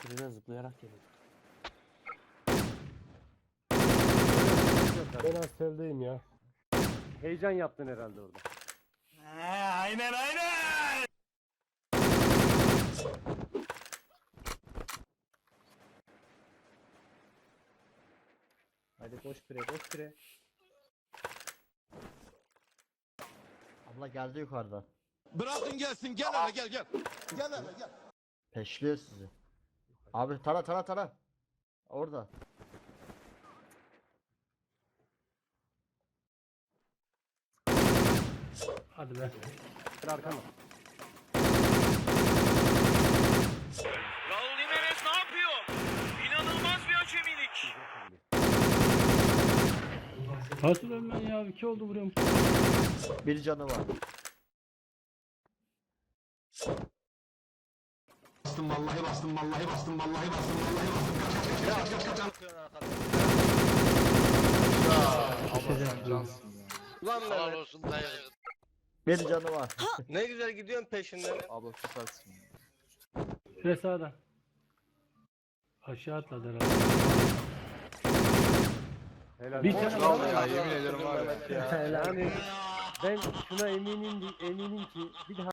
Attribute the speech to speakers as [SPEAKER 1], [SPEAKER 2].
[SPEAKER 1] Birden zıplayarak geliyor.
[SPEAKER 2] Ben Asel'deyim ya.
[SPEAKER 3] Heyecan yaptın herhalde orada.
[SPEAKER 4] Aynen aynen.
[SPEAKER 5] Hadi koş pire koş pire. Abla geldi yukarıdan.
[SPEAKER 4] Bırakın gelsin gel hele gel gel. Gel hele gel.
[SPEAKER 5] Peşliyor sizi. Abi tara. Orada.
[SPEAKER 2] Hadi be.
[SPEAKER 3] Bir arkana.
[SPEAKER 6] Raul Jimenez ne yapıyor? İnanılmaz bir acemilik.
[SPEAKER 2] Nasıl ölmen ya? 2 oldu vuruyorum.
[SPEAKER 5] Bir canı var.
[SPEAKER 4] Bastım vallahi bastım vallahi bastım vallahi bastım vallahi bastım.
[SPEAKER 7] Ulan
[SPEAKER 6] Helal
[SPEAKER 7] Mehmet,
[SPEAKER 6] olsun dayı.
[SPEAKER 5] Bir canı var.
[SPEAKER 7] ne güzel gidiyorsun peşinden.
[SPEAKER 1] Abla süpersin.
[SPEAKER 2] Pire sağda. Aşağı atladı herhalde.
[SPEAKER 3] Helal.
[SPEAKER 2] Bir
[SPEAKER 3] olsun.
[SPEAKER 2] tane
[SPEAKER 7] Bravo
[SPEAKER 2] var.
[SPEAKER 7] ya, yemin ederim var ya.
[SPEAKER 3] Yani ben şuna eminim ki bir daha